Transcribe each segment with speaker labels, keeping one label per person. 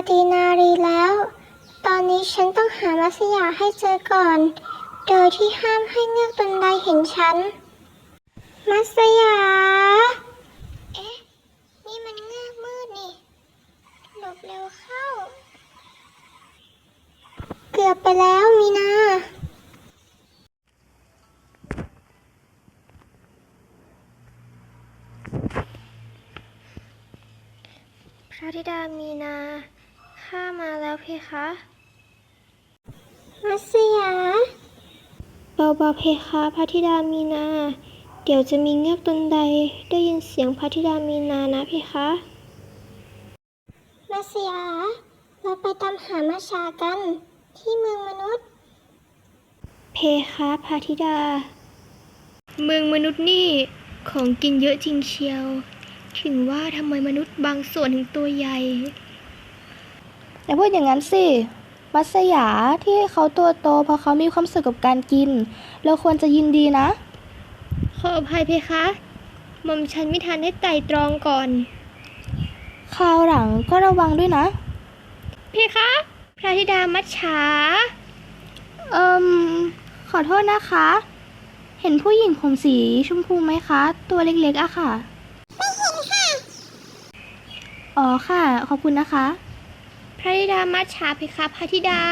Speaker 1: ดีนารีแล้ว ตอนนี้ฉันต้องหามัสยาให้เจอก่อน โดยที่ห้ามให้เงือกตนใดเห็นฉัน มัสยา เอ๊ะ นี่มันเงือกมืดนี่ หลบเร็วเข้า เกือบไปแล้วมีนา
Speaker 2: พระธิดามีนาข้ามาแล้วเพคะ
Speaker 1: มัสยา
Speaker 2: เบาๆเพคะพระธิดามีนา เดี๋ยวจะมีเงือกตนใดได้ยินเสียงพระธิดามีนานะเพคะ
Speaker 1: มัสยา เราไปตามหามัชชากัน ที่เมืองมนุษย์
Speaker 2: เพคะพระธิดา เมืองมนุษย์นี่ของกินเยอะจริงเชียว ถึงว่าทำไมมนุษย์บางส่วนถึงตัวใหญ่
Speaker 3: อย่าพูดอย่างนั้นสิ มัสยาที่เขาตัวโตเพราะเขามีความสุขกับการกิน เราควรจะยินดีนะ
Speaker 2: ขออภัยเพคะหม่อมฉันไม่ทันได้ไตร่ตรองก่อน
Speaker 3: คราวหลังก็ระวังด้วยนะ
Speaker 2: เพคะ พระธิดามัจฉา
Speaker 3: เอิมขอโทษนะคะ เห็นผู้หญิงผมสีชมพูไหมคะ ตัวเล็กๆอะค่ะ
Speaker 1: ไม่เห็นค่ะ
Speaker 3: อ๋อค่ะ ขอบคุณนะคะ
Speaker 2: พระธิดามัจฉาเพคะพระธิดา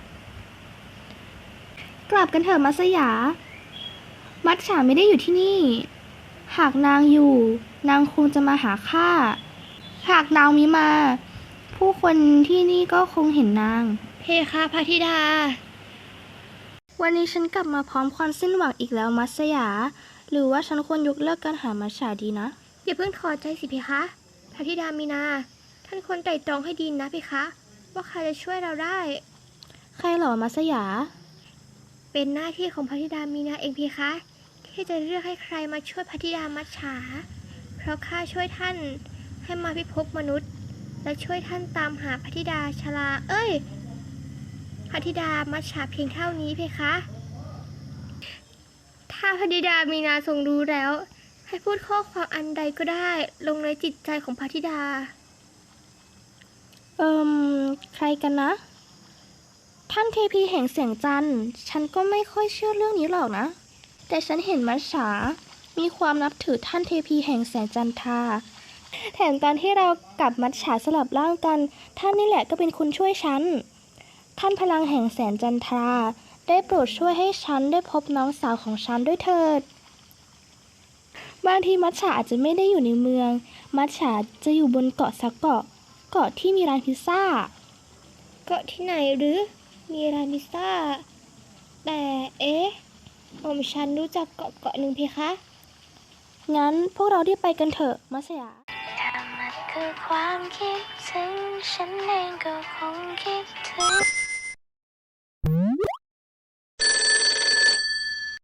Speaker 3: กลับกันเถอะมัสยา มัจฉาไม่ได้อยู่ที่นี่ หากนางอยู่ นางคงจะมาหาข้า หากนางมิมา ผู้คนที่นี่ก็คงเห็นนาง
Speaker 2: เพคะพระธิดา
Speaker 3: วันนี้ฉันกลับมาพร้อมความสิ้นหวังอีกแล้วมัสยา หรือว่าฉันควรยกเลิกการหามัจฉาดีนะ
Speaker 2: อย่าเพิ่งถอดใจสิเพคะ พระธิดามีนา ท่านควรไตร่ตรองให้ดีนะเพคะ ว่าใครจะช่วยเราได้
Speaker 3: ใครเหรอมัสยา
Speaker 2: เป็นหน้าที่ของพระธิดามีนาเองเพคะ ที่จะเลือกให้ใครมาช่วยพระธิดามัจฉา เพราะข้าช่วยท่านให้มาพิภพมนุษย์ และช่วยท่านตามหาพระธิดาชลา พระธิดามัจฉาเพียงเท่านี้เพคะ ถ้าพระธิดามีนาทรงรู้แล้ว ให้พูดข้อความอันใดก็ได้ลงในจิตใจของพระธิดา
Speaker 3: ใครกันนะ ท่านเทพีแห่งแสงจันทร์ ฉันก็ไม่ค่อยเชื่อเรื่องนี้หรอกนะ แต่ฉันเห็นมัจฉามีความนับถือท่านเทพีแห่งแสงจันทรา แถมตอนที่เรากับมัจฉาสลับร่างกัน ท่านนี่แหละก็เป็นคนช่วยฉัน ท่านพลังแห่งแสงจันทรา ได้โปรดช่วยให้ฉันได้พบน้องสาวของฉันด้วยเถิด บางทีมัจฉาอาจจะไม่ได้อยู่ในเมือง มัจฉาจะอยู่บนเกาะสักเกาะ เกาะที่มีร้านพิซซ่า
Speaker 2: เกาะที่ไหนหรือ มีร้านพิซซ่า แต่ฉันรู้จักเกาะหนึ่งเพคะ
Speaker 3: งั้นพวกเรารีบไปกันเถอะมัสยา
Speaker 1: ถ้ามันคือความคิดถึงฉันเองก็คงคิดถึง